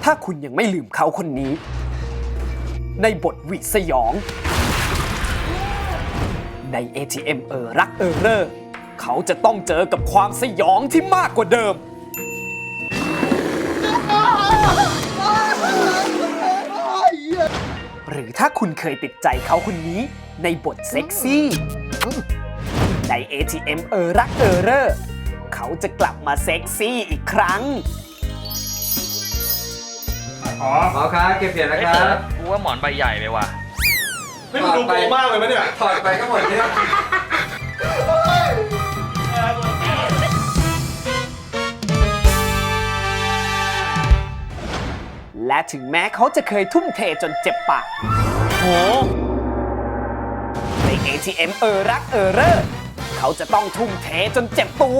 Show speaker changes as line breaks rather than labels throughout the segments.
ถ้าคุณยังไม่ลืมเขาคนนี้ ในบทหวิดสยอง ใน ATM รักเรอเขาจะต้องเจอกับความสยองที่มากกว่าเดิม หรือถ้าคุณเคยติดใจเขาคนนี้ในบทเซ็กซี่ ใน ATM รักเรอเขาจะกลับมาเซ็กซี่อีกครั้ง
หมอครับเก็บเหรียญนะครับ
กูว่าหมอนใบใหญ่ไปว่ะ
ไม่ดูโกมากเลยไหมเนี่ย
ถอดไปก็หมดเนี่ย
และถึงแม้เขาจะเคยทุ่มเทจนเจ็บปาก
โห
ใน ATM รักเรอเขาจะต้องทุ่มเทจนเจ็บตัว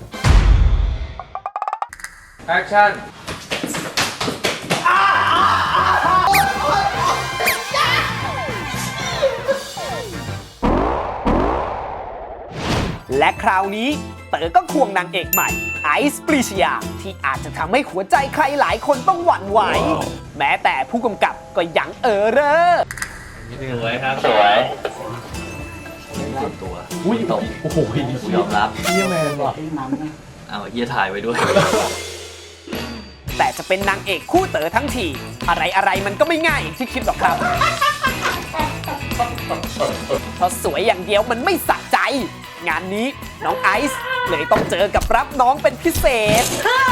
แอคชั่น
และคราวนี้เต๋อก็ควงนางเอกใหม่ไอซ์ปรีชยาที่อาจจะทำให้หัวใจใครหลายคนต้องหวั่นไหว แม้แต่ผู้กำกับก็ยังเรอ
สวยครับ สวยตัวอุ้ยตกโอ้โหยอมรับเฮียแมนว่ะเอาเฮียถ่ายไว้ด้วย
แต่จะเป็นนางเอกคู่เต๋อทั้งที อะไรมันก็ไม่ง่ายอย่างที่คิดหรอกครับ เพราะสวยอย่างเดียวมันไม่สะใจ งานนี้น้องไอซ์เลยต้องเจอกับรับน้องเป็นพิเศษ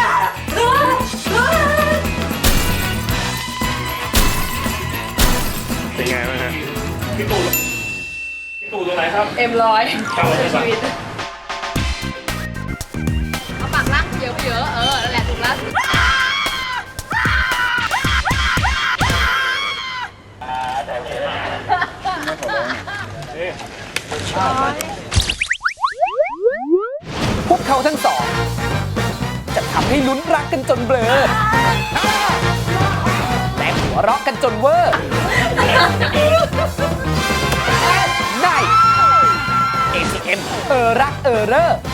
เป็นไงบ้างฮะพี่ตู่ตรงไหนครับ
M100
เข้ามาใช่ปะ
เอาปากล่างเยอะไปเยอะนั่นแหละถูกแล้ว
พวกเขาทั้งสอง จะทำให้ลุ้นรักกันจนเบลอและหัวเราะกันจนเวอร์ใน ATM รักเรอ